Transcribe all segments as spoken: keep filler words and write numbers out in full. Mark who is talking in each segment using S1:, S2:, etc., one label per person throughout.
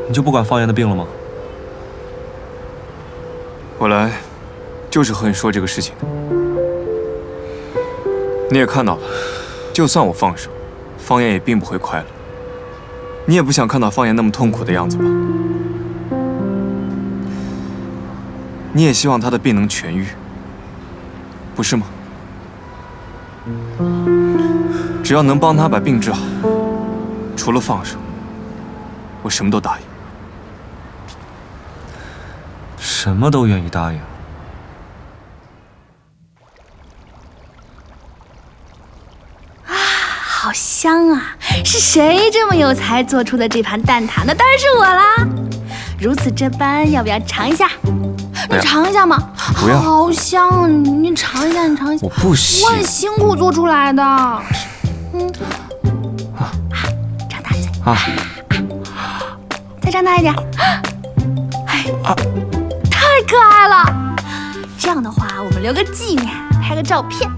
S1: 你就不管方言的病了吗？
S2: 我来，就是和你说这个事情的。你也看到了，就算我放手，方言也并不会快乐。你也不想看到方言那么痛苦的样子吧？你也希望他的病能痊愈，不是吗？只要能帮他把病治好，除了放手，我什么都答应。
S1: 什么都愿意答应。
S3: 啊，好香啊！是谁这么有才做出的这盘蛋挞？那当然是我啦！如此这般，要不要尝一下？你尝一下嘛，
S2: 不要，
S3: 好香！你你尝一下，你尝一下。
S2: 我不行，
S3: 我很辛苦做出来的。嗯，啊，张大嘴啊，再张大一点。哎啊，太可爱了！这样的话，我们留个纪念，拍个照片。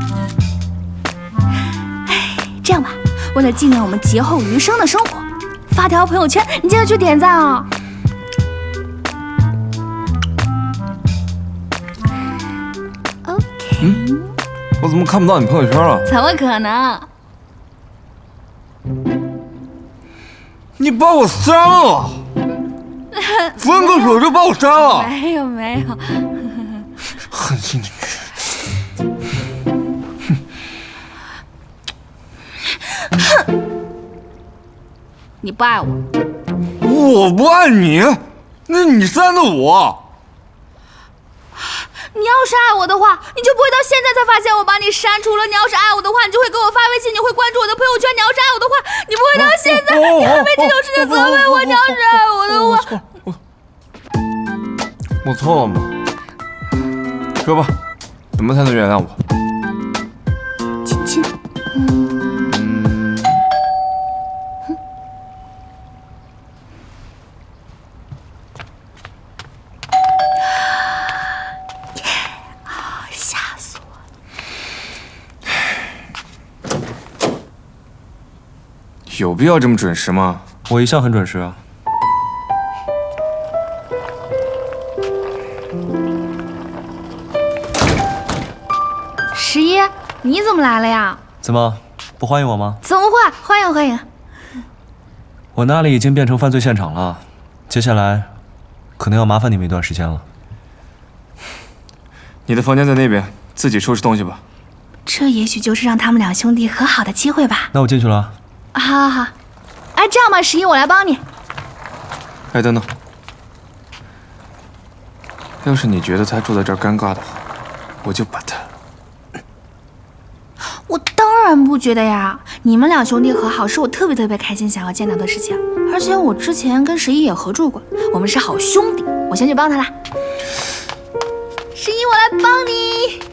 S3: 哎，这样吧，为了纪念我们劫后余生的生活，发条朋友圈，你记得去点赞啊！
S2: 嗯，我怎么看不到你朋友圈了？
S3: 怎么可能？
S2: 你把我删了，分个手就把我删了。
S3: 没有没有，
S2: 狠心的女人。
S3: 哼！你不爱我？
S2: 我不爱你？那你删的我。
S3: 你要是爱我的话，你就不会到现在才发现我把你删除了。你要是爱我的话，你就会给我发微信，你会关注我的朋友圈。你要是爱我的话，你不会到现在，你会为这种事情责备我。你要是爱我的话，
S2: 我错了吗？说吧，怎么才能原谅我？
S3: 亲亲。嗯。
S2: 有必要这么准时吗？
S1: 我一向很准时啊。
S3: 十一，你怎么来了呀？
S1: 怎么不欢迎我吗？
S3: 怎么会？欢迎欢迎。
S1: 我那里已经变成犯罪现场了，接下来可能要麻烦你们一段时间了。
S2: 你的房间在那边，自己收拾东西吧。
S3: 这也许就是让他们两兄弟和好的机会吧。
S1: 那我进去了。
S3: 好好好，哎，这样吧，十一，我来帮你。
S2: 哎，等等，要是你觉得他坐在这儿尴尬的话，我就把他……
S3: 我当然不觉得呀，你们两兄弟和好是我特别特别开心想要见到的事情，而且我之前跟十一也合作过，我们是好兄弟。我先去帮他啦。十一，我来帮你。